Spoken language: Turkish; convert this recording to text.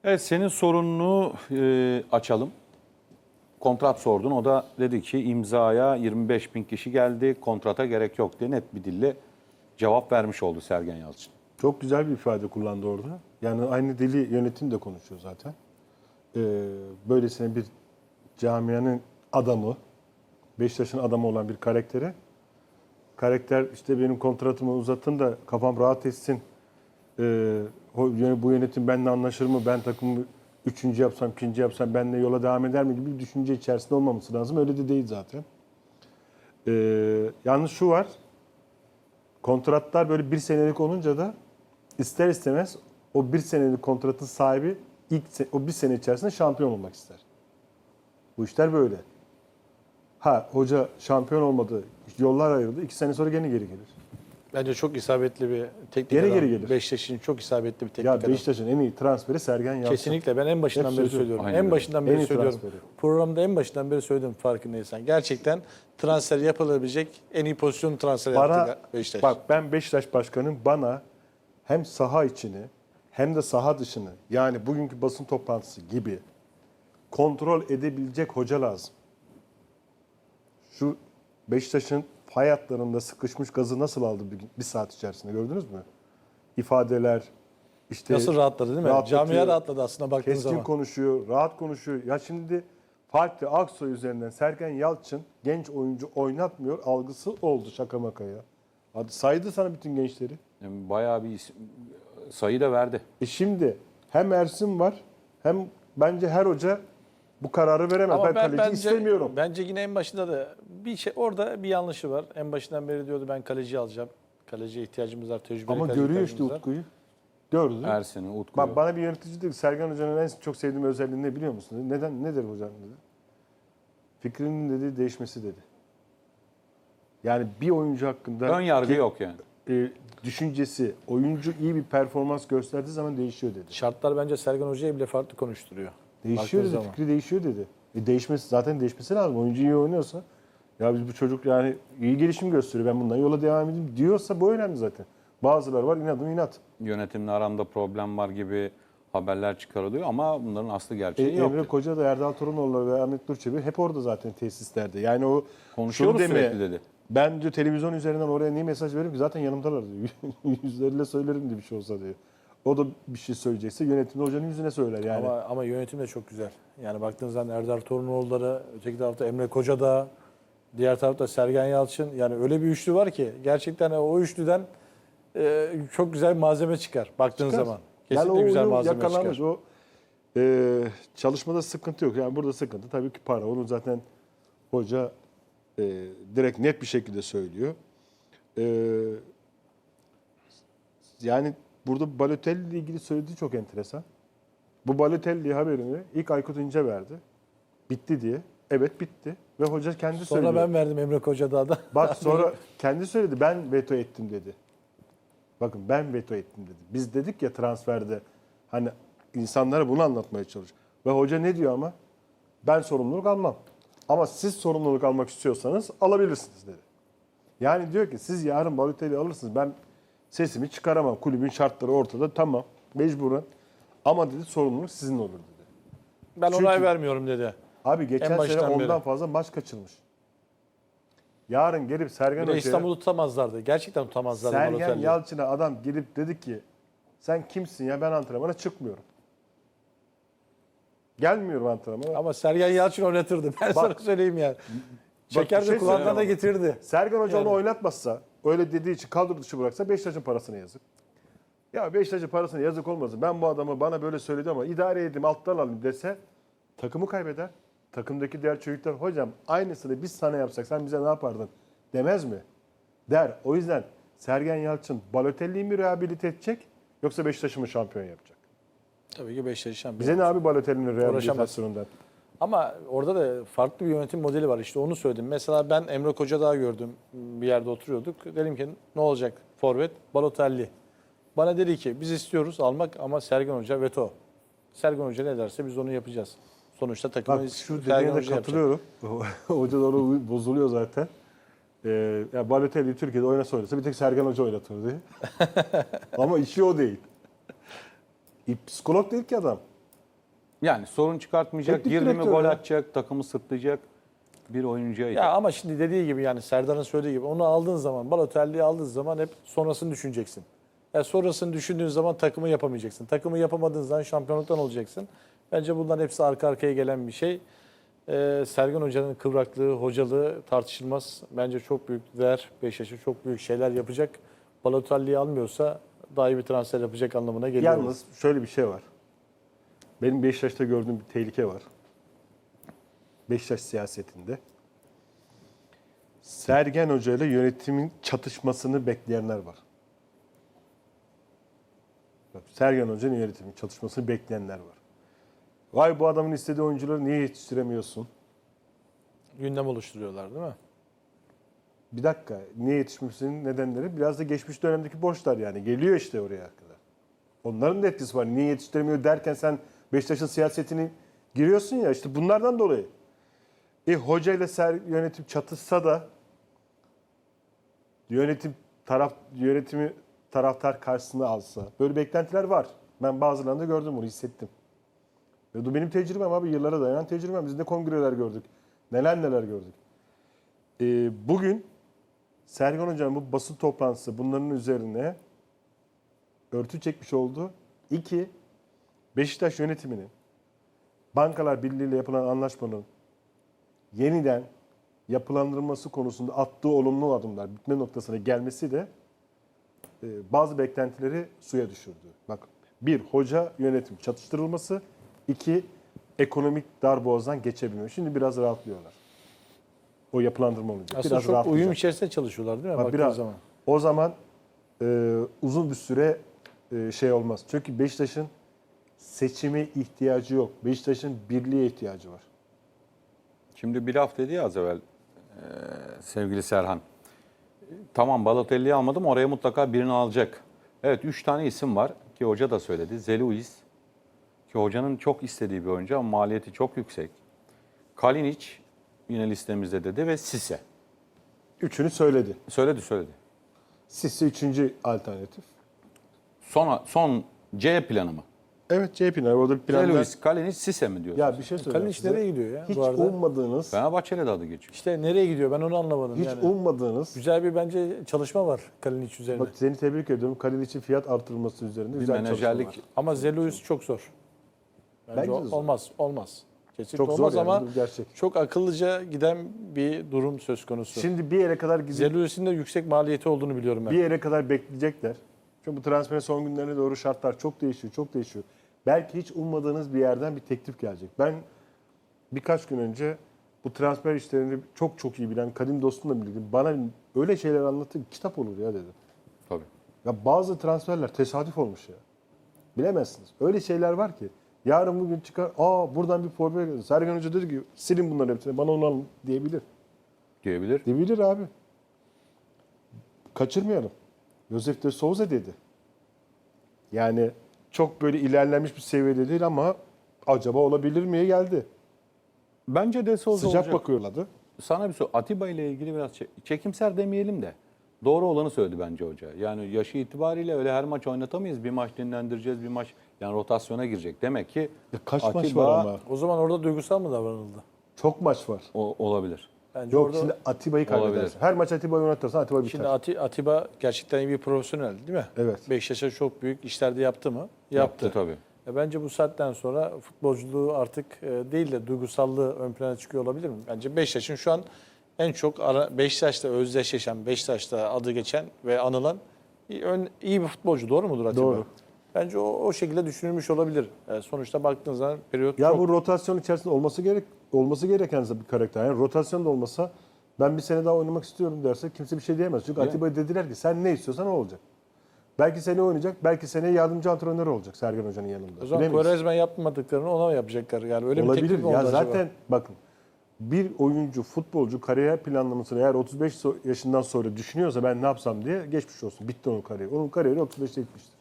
Evet, senin sorununu açalım. Kontrat sordun. O da dedi ki imzaya 25 bin kişi geldi. Kontrata gerek yok diye net bir dille cevap vermiş oldu Sergen Yalçın. Çok güzel bir ifade kullandı orada. Yani aynı dili yönetim de konuşuyor zaten. Böylesine bir camianın adamı, Beşiktaş'ın adamı olan bir karakter işte benim kontratımı uzatın da kafam rahat etsin. Bu yönetim benimle anlaşır mı? Ben takımı üçüncü yapsam, ikinci yapsam benimle yola devam eder mi gibi bir düşünce içerisinde olmaması lazım. Öyle de değil zaten. Yalnız şu var. Kontratlar böyle bir senelik olunca da ister istemez o bir senelik kontratın sahibi o bir sene içerisinde şampiyon olmak ister. Bu işler böyle. Hoca şampiyon olmadı, yollar ayrıldı. 2 sene sonra gene geri gelir. Bence çok isabetli bir teknik Geri adam. geri gelir. Beşiktaş'ın çok isabetli bir teknik Ya adam. Beşiktaş'ın en iyi transferi Sergen Yalçın. Kesinlikle ben en başından Hep beri söylüyorum. söylüyorum. Aynen En öyle. başından En beri iyi söylüyorum. transferi. Programda en başından beri söyledim farkındaysan. Gerçekten transfer yapılabilecek en iyi pozisyon transfer yaptı Beşiktaş. Bak ben Beşiktaş Başkanı'nın bana hem saha içini hem de saha dışını yani bugünkü basın toplantısı gibi kontrol edebilecek hoca lazım. Şu Beşiktaş'ın fay hatlarında sıkışmış gazı nasıl aldı bir saat içerisinde gördünüz mü? İfadeler, işte Nasıl rahatladı değil mi? rahatlatıyor, Camia rahatladı aslında baktığın keskin zaman. konuşuyor, rahat konuşuyor. Ya şimdi Fatih Aksoy üzerinden Sergen Yalçın genç oyuncu oynatmıyor algısı oldu şaka maka ya. Hadi saydı sana bütün gençleri. Yani bayağı bir sayı da verdi. Şimdi hem Ersin var hem bence her hoca bu kararı veremez. Ben kaleci istemiyorum. Bence yine en başında da bir şey orada bir yanlışı var. En başından beri diyordu ben kaleci alacağım. Kaleciye ihtiyacımız var, tecrübeli Ama kaleci görüyor işte ihtiyacımız var. Utku'yu. Gördü. Ersin'i, Utku'yu. Bak bana bir yönetici dedi ki Sergen Hoca'nın en çok sevdiğim özelliği ne biliyor musun? Dedi. Neden? Nedir hocam dedi. Fikrinin dedi değişmesi dedi. Yani bir oyuncu hakkında Ön yargı yok yani. düşüncesi, oyuncu iyi bir performans gösterdiği zaman değişiyor dedi. Şartlar bence Sergen Hoca'yı bile farklı konuşturuyor. Değişiyor Baktığın dedi, zaman. fikri değişiyor dedi. Zaten değişmesi lazım. Oyuncu iyi oynuyorsa, ya biz bu çocuk yani iyi gelişim gösteriyor, ben bundan yola devam edeyim diyorsa bu önemli zaten. Bazıları var inadım inat. Yönetimle aramda problem var gibi haberler çıkarılıyor ama bunların aslı gerçeği yok. Emre Koca da Erdal Torunoğlu ve Ahmet Durçebi hep orada zaten tesislerde. Yani o Konuşuyoruz şunu deme, sürekli dedi. ben diyor televizyon üzerinden oraya niye mesaj veririm ki zaten yanımdalar diyor. Yüzleriyle söylerim diye bir şey olsa diyor. O da bir şey söyleyecekse yönetimde hocanın yüzüne söyler yani. Ama yönetim de çok güzel. Yani baktığınız zaman Erdal Torunoğulları, öteki tarafta Emre Koca da, diğer tarafta Sergen Yalçın. Yani öyle bir üçlü var ki gerçekten o üçlüden çok güzel bir malzeme çıkar baktığınız Çıkar. zaman. Kesinlikle yani güzel uyum malzeme yakalanmış. çıkar. O çalışmada sıkıntı yok. Yani burada sıkıntı tabii ki para. Onu zaten hoca direkt net bir şekilde söylüyor. Yani burada Balotelli ile ilgili söylediği çok enteresan. Bu Balotelli haberini ilk Aykut İnce verdi. Bitti diye. Evet bitti. Ve hoca kendi Sonra söylüyor. ben verdim Emre Koca'da da. Bak sonra kendi söyledi. Ben veto ettim dedi. Bakın ben veto ettim dedi. Biz dedik ya transferde hani insanlara bunu anlatmaya çalış. Ve hoca ne diyor ama? Ben sorumluluk almam. Ama siz sorumluluk almak istiyorsanız alabilirsiniz dedi. Yani diyor ki siz yarın Balotelli alırsınız. Ben sesimi çıkaramam. Kulübün şartları ortada. Tamam. Mecburen. Ama dedi sorumluluk sizin olur dedi. Ben Çünkü- onay vermiyorum dedi. Abi geçen En sene baştan ondan beri. fazla maç kaçırmış. Yarın gelip Sergen Bir de Hoca'ya... İstanbul'u tutamazlardı. Gerçekten tutamazlardı Sergen Balotelli'yi. Yalçın'a adam gelip dedi ki sen kimsin ya ben antrenmana çıkmıyorum. Gelmiyorum antrenmana. Ama Sergen Yalçın oynatırdı. Ben sana söyleyeyim yani. Çekerdi şey kulağından da söyleyeyim getirdi. Sergen Hoca Yani. onu oynatmazsa öyle dediği için kadro dışı bıraksa Beşiktaş'ın parasına yazık. Ya Beşiktaş'ın parasına yazık olmasın. Ben bu adamı bana böyle söyledi ama idare edeyim alttan alayım dese takımı kaybeder. Takımdaki diğer çocuklar hocam aynısını biz sana yapsak sen bize ne yapardın demez mi? Der. O yüzden Sergen Yalçın Balotelli'yi mi rehabilite edecek yoksa Beşiktaş'ı mı şampiyon yapacak? Tabii ki Beşiktaş şampiyon. Bize ne abi Balotelli'nin rehabilitasyonundan? Ama orada da farklı bir yönetim modeli var. İşte onu söyledim. Mesela ben Emre Kocadağ'ı gördüm. Bir yerde oturuyorduk. Dedim ki ne olacak? Forvet Balotelli. Bana dedi ki biz istiyoruz almak ama Sergen Hoca veto. Sergen Hoca ne derse biz onu yapacağız. Sonuçta takımı Bak şu Sergen dediğine de Hoca yapacak. katılıyorum. Hoca da onu bozuluyor zaten. Ya Balotelli Türkiye'de oynasa bir tek Sergen Hoca oynatır diye. Ama işi o değil. Psikolog değil ki adam. Yani sorun çıkartmayacak, Teknik girdi mi direktör gol ya. atacak, takımı sırtlayacak bir oyuncuya Ya ihtiyaç. ama şimdi dediği gibi yani Serdar'ın söylediği gibi onu aldığın zaman, Balotelli'yi aldığın zaman hep sonrasını düşüneceksin. Sonrasını düşündüğün zaman takımı yapamayacaksın. Takımı yapamadığın zaman şampiyonluktan olacaksın. Bence bunların hepsi arka arkaya gelen bir şey. Sergen Hoca'nın kıvraklığı, hocalığı tartışılmaz. Bence çok büyük değer. Beşiktaş'a çok büyük şeyler yapacak. Balotelli'yi almıyorsa daha iyi bir transfer yapacak anlamına geliyor. Yalnız şöyle bir şey var. Benim Beşiktaş'ta gördüğüm bir tehlike var. Beşiktaş siyasetinde. Sergen Hoca ile yönetimin çatışmasını bekleyenler var. Bak, Sergen Hoca'nın yönetimin çatışmasını bekleyenler var. Vay bu adamın istediği oyuncuları niye yetiştiremiyorsun? Gündem oluşturuyorlar değil mi? Bir dakika, niye yetişmemesinin nedenleri biraz da geçmiş dönemdeki borçlar yani. Geliyor işte oraya kadar. Onların da etkisi var. Niye yetiştiremiyor derken sen Beşiktaş'ın siyasetini giriyorsun ya işte bunlardan dolayı. Hoca ile yönetim çatışsa da yönetimi taraftar karşısına alsa. Böyle beklentiler var. Ben bazılarında gördüm bunu, hissettim. Ve bu benim tecrübem abi. Yıllara dayanan tecrübem. Biz ne kongreler gördük. Neler neler gördük. Bugün Sergen Hoca'nın bu basın toplantısı bunların üzerine örtü çekmiş oldu. 2. Beşiktaş yönetiminin Bankalar Birliği ile yapılan anlaşmanın yeniden yapılandırılması konusunda attığı olumlu adımlar, bitme noktasına gelmesi de bazı beklentileri suya düşürdü. Bak, 1. Hoca yönetim çatıştırılması. 2. Ekonomik darboğazdan geçebilmiyor. Şimdi biraz rahatlıyorlar. O yapılandırma olacak. Aslında biraz çok uyum rahatlayacak. içerisinde çalışıyorlar değil mi? Bak, Baktığın biraz, zaman. o zaman uzun bir süre şey olmaz. Çünkü Beşiktaş'ın seçime ihtiyacı yok. Beşiktaş'ın birliğe ihtiyacı var. Şimdi bir laf dedi ya az evvel sevgili Serhan. Tamam Balotelli'yi almadım oraya mutlaka birini alacak. Evet 3 tane isim var ki hoca da söyledi. Zeluis ki hocanın çok istediği bir oyuncu ama maliyeti çok yüksek. Kalinic yine listemizde dedi ve Sisse. Üçünü söyledi. Söyledi. Sisse üçüncü alternatif. Son C planı mı? Evet, CHP'nin orada bir planda. Zeluis, Kalinic, Sisse mi diyorsun? Ya bir şey söyleyeyim. Kalinic nereye gidiyor ya Hiç bu arada? ummadığınız, Fenerbahçe'yle de adı geçiyor. İşte nereye gidiyor ben onu anlamadım. hiç yani. ummadığınız. Güzel bir bence çalışma var Kalinic üzerine. Bak seni tebrik ediyorum. Kalinic'in fiyat artırılması üzerinde Bir güzel çalışmalar. menajerlik Ama Zelois çok zor. Bence Bence de zor. olmaz. Kesinlikle Çok zor olmaz yani, ama bu gerçek. çok akıllıca giden bir durum söz konusu. Şimdi bir yere kadar gidip Zelois'in de yüksek maliyeti olduğunu biliyorum ben. bir yere kadar bekleyecekler. Çünkü bu transferin son günlerine doğru şartlar çok değişiyor. Belki hiç ummadığınız bir yerden bir teklif gelecek. Ben birkaç gün önce bu transfer işlerini çok iyi bilen kadim dostumla birlikte bana öyle şeyler anlattı ki kitap olur ya dedi. Tabii. Ya bazı transferler tesadüf olmuş ya. Bilemezsiniz. Öyle şeyler var ki. Yarın bugün çıkar, buradan bir forvet geldi. Sergen Hoca dedi ki silin bunların hepsini bana onu alın diyebilir. Diyebilir. Diyebilir abi. Kaçırmayalım. Josef de Souza dedi. Yani çok böyle ilerlenmiş bir seviyede değil ama acaba olabilir miye geldi. Bence de Souza Sıcak olacak. bakıyorlardı. Sana bir soru. Atiba ile ilgili biraz çekimser demeyelim de doğru olanı söyledi bence hoca. Yani yaşı itibariyle öyle her maç oynatamayız. Bir maç dinlendireceğiz, bir maç yani rotasyona girecek. Demek ki Ya kaç maç Atiba var ama? O zaman orada duygusal mı davranıldı? Çok maç var. olabilir. Bence Yok orada, şimdi Atiba'yı Olabilir. kaybedersin. Her maç Atiba'yı oynatırsan Atiba biter. şimdi Atiba gerçekten iyi bir profesyonel değil mi? Evet. Beşiktaş'a çok büyük işlerde yaptı mı? Yaptı tabii. Bence bu saatten sonra futbolculuğu artık değil de duygusallığı ön plana çıkıyor olabilir mi? Bence Beşiktaş'ın şu an en çok Beşiktaş'ta özdeşleşen, Beşiktaş'ta adı geçen ve anılan iyi bir futbolcu. Doğru mudur Atiba? Doğru. Bence o şekilde düşünülmüş olabilir. Sonuçta baktığın zaman periyot Ya çok... bu rotasyon içerisinde olması gereken bir karakter. Yani rotasyon da olmasa ben bir sene daha oynamak istiyorum derse kimse bir şey diyemez. Çünkü Yani. Atiba'ya dediler ki sen ne istiyorsan o olacak. Belki seni oynayacak, belki seneye yardımcı antrenör olacak Sergen Hoca'nın yanında. O zaman Bilemeyiz. Quaresma yapmadıklarını ona mı yapacaklar? Yani öyle bir Olabilir. teklif mi Ya oldu zaten acaba? bakın bir oyuncu, futbolcu kariyer planlamasını eğer 35 yaşından sonra düşünüyorsa ben ne yapsam diye geçmiş olsun. Bitti onun kariyeri. Onun kariyeri 35'te bitmiştir.